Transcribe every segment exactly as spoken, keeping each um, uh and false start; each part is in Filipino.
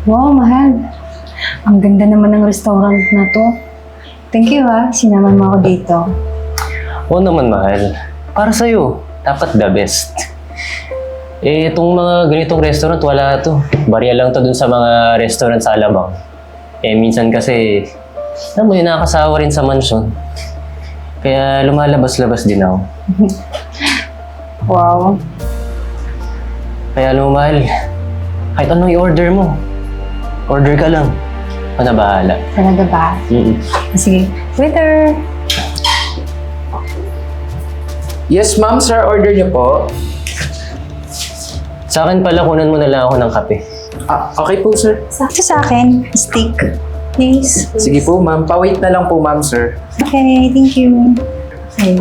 Wow, mahal. Ang ganda naman ng restaurant na to. Thank you ha, sinaman mo ako dito. Oo naman, mahal. Para sa'yo, dapat the best. Eh, itong mga ganitong restaurant, wala to. Barya lang to dun sa mga restaurant sa Alabang. Eh, minsan kasi, alam mo yun, nakakasawa rin sa mansion. Kaya lumalabas-labas din ako. Wow. Kaya alam mo, mahal, kahit anong i-order mo, order ka lang. Ako na bahala. Talaga ba? Mm-mm. Sige, waiter. Yes, ma'am, sir. Order niyo po. Sa akin pala, kunan mo na lang ako ng kape. Ah, okay po, sir. Sakto sa akin, steak. Please. Sige po, ma'am. Pa-wait na lang po, ma'am, sir. Okay, thank you. Okay.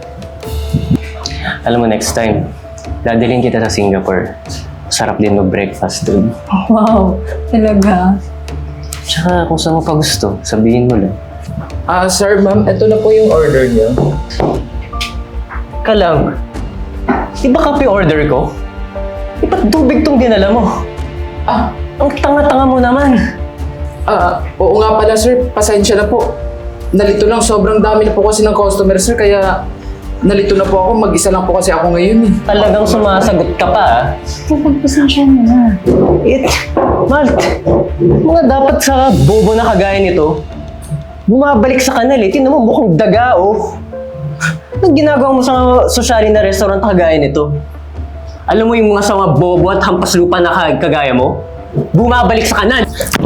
Alam mo, next time, dadalhin kita sa Singapore. Sarap din mag-breakfast doon. Wow, talaga. Tsaka kung saan mo pa gusto, sabihin mo lang. Ah, sir, ma'am, ito na po yung order niyo. Ka lang, di ba kape order ko? Di ba't tubig tong dinala mo? Ah, Ang tanga-tanga mo naman. ah, oo nga pala, sir. Pasensya na po. Nalito lang. Sobrang dami na po kasi ng customer, sir. Kaya nalito na po ako. Mag-isa lang po kasi ako ngayon, eh. Talagang sumasagot ka pa, ah. Pagpasensya mo na. It, Malt, mga dapat sa bobo na kagaya nito, bumabalik sa kanal eh. Tingnan mo, mukhang daga, oh. Anong ginagawa mo sa sosyali na restaurant kagaya nito? Alam mo yung mga sa mga bobo at hampas lupa na kag- kagaya mo? Bumabalik sa kanan!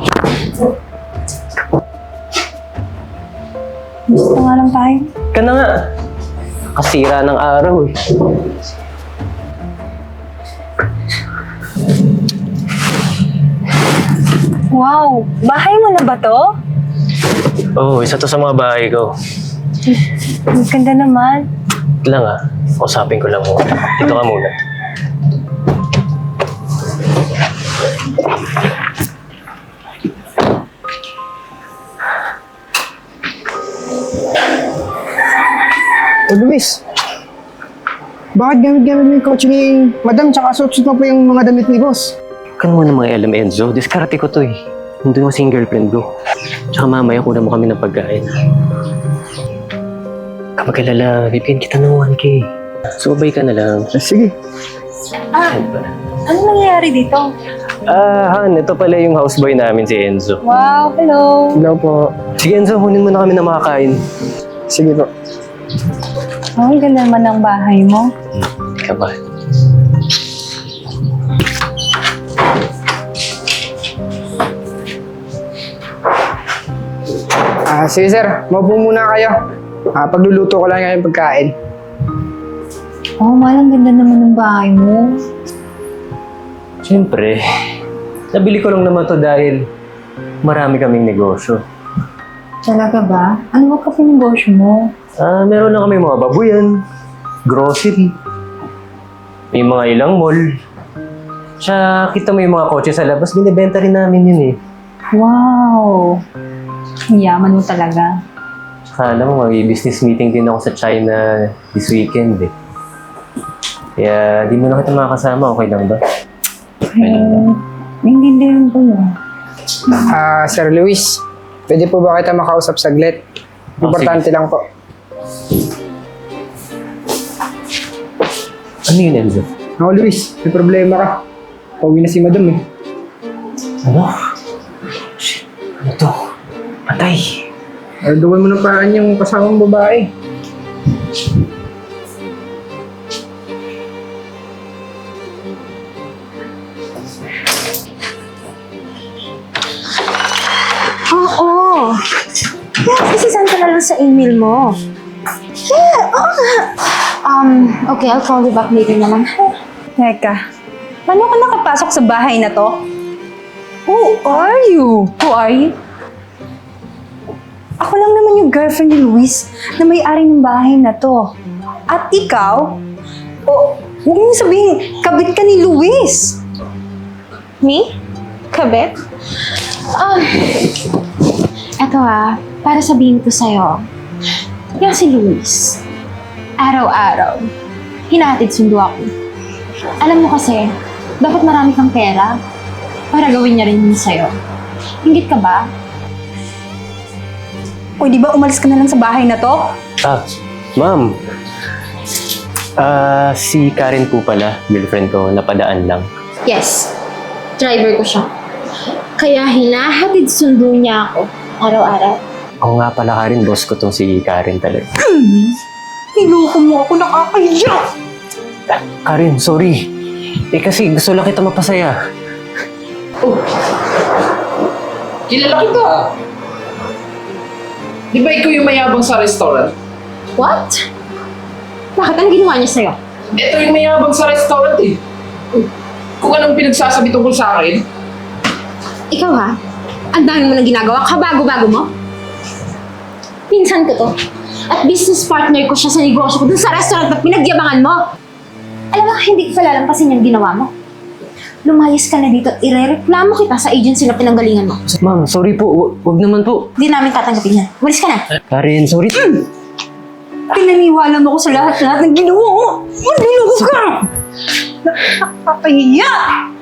Gusto nga lang tayo. Ka na nga. Kasira ng araw eh. Wow, bahay mo na ba to? Oo, oh, isa to sa mga bahay ko. Ang ganda naman. Ito lang ah, kausapin ko lang muna. Dito ka muna. O Luis, bakit gamit-gamit mo yung kotse ni Madam tsaka suot-suot mo po yung mga damit ni Boss? Kan mo na mga alam, Enzo. Diskarte ko to eh. Nandun mo kasing girlfriend ko. Tsaka mamaya kunan mo kami ng pagkain. Kapag kilala, bibigyan kita ng one K. Sumabay ka na lang. Ah, sige. Ah, ano nangyayari dito? Ah, Han, ito pala yung houseboy namin si Enzo. Wow, hello. Hello po. Sige Enzo, kunin mo na kami ng makakain. Sige po. Oh, ang ganda naman ng bahay mo. Hindi ka ba? Ah, sige sir, maupo muna kayo. Ah, pagluluto ko lang yung pagkain. Oh, mahal, ang ganda naman ng bahay mo. Siyempre, nabili ko lang naman to dahil marami kaming negosyo. Talaga ba? Ano ba kasi negosyo mo? Ah, meron lang kami mga babuyan, grocery, may mga ilang mall. Tsaka kita mo yung mga kotse sa labas, binibenta rin namin yun eh. Wow! Ang yaman mo talaga. Tsaka alam mo, may business meeting din ako sa China this weekend eh. Kaya di mo na kita makakasama, okay lang ba? Eh, naiintindihan ko mo. Ah, Sir Luis, pwede po ba kita makausap saglit? Oh, Importante lang po. Ano yun, Enzo? Ako Luis, may problema ka. Pauwi na si Madam eh. Ano? Shit, ano to? Patay. Arduan mo ng paan yung kasamang babae. Oo. Yeah, isisend ko na lang sa email mo. Yeah, oo nga. Um, okay, I'll call you back later na lang. Teka, paano ka nakapasok sa bahay na to? Who are you? Who are you? Ako lang naman yung girlfriend ni Luis na may-ari ng bahay na to. At ikaw? O, huwag mo sabihin, kabit ka ni Luis. Me? Kabit? Um, eto ah, para sabihin ko sa'yo, yung si Luis, araw-araw, hinahatid sundo ako. Alam mo kasi, dapat marami kang pera para gawin niya rin yun sa'yo. Ingit ka ba? O di ba umalis ka na lang sa bahay na to? Ah, ma'am. Ah, si Karen po pala, girlfriend ko, napadaan lang. Yes. Driver ko siya. Kaya hinahatid sundo niya ako araw-araw. Oo nga pala, Karen, boss ko tong si Karen talaga. Niloko mo ako, nakakahiya! Ah, Karen, sorry. Eh kasi gusto lang kita mapasaya. Oh! Kilala kita! Di ba ikaw yung mayabang sa restaurant? What? Bakit? Anong ginawa niya sa'yo? Ito yung mayabang sa restaurant eh. Kung anong pinagsasabi tungkol sa akin, Ikaw ha? Ang dami mo nang ginagawa, kabago-bago mo? Pinsan ko to. At business partner ko siya sa negosyo ko dun sa restaurant na pinagyabangan mo. Alam mo, hindi ko palalampasin yung ginawa mo. Lumayas ka na dito at irereklamo kita sa agency na pinanggalingan mo. Ma'am, sorry po. Hu- Huwag naman po. Hindi namin tatanggapin yan. Walis ka na. Karen, sorry. Pinaniwala mo ko sa lahat-lahat ng ginawa mo! Maniloko ka! Nakakahiya!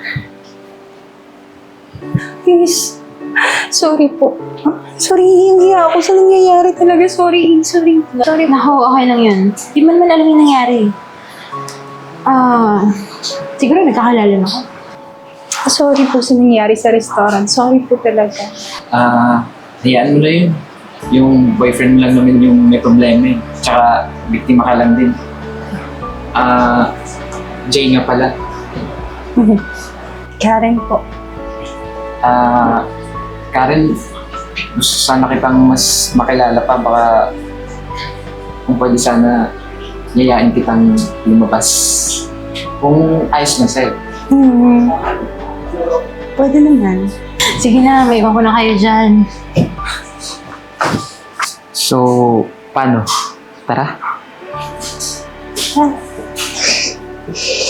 Please, sorry po. Sorry, hindi ako sa nangyayari talaga. Sorry, sorry. Sorry. Naku, okay lang yun. Di man naman alam yung nangyari. Ah, siguro nagkakalala na ako. Sorry po sa nangyari sa restaurant. Sorry po talaga. ah, hayaan mo na yun. Yung boyfriend mo lang naman yung may problema eh. Tsaka, biktima ka lang din. Ah, Jay nga pala. Karen po. Ah, Karen, gusto sana kitang mas makilala pa. Baka kung pwede sana yayain kitang lumabas. Kung ayos na sa'yo. Hmm. Pwede naman. Sige na, may iwan ko na kayo dyan. So, paano? Tara. Ah.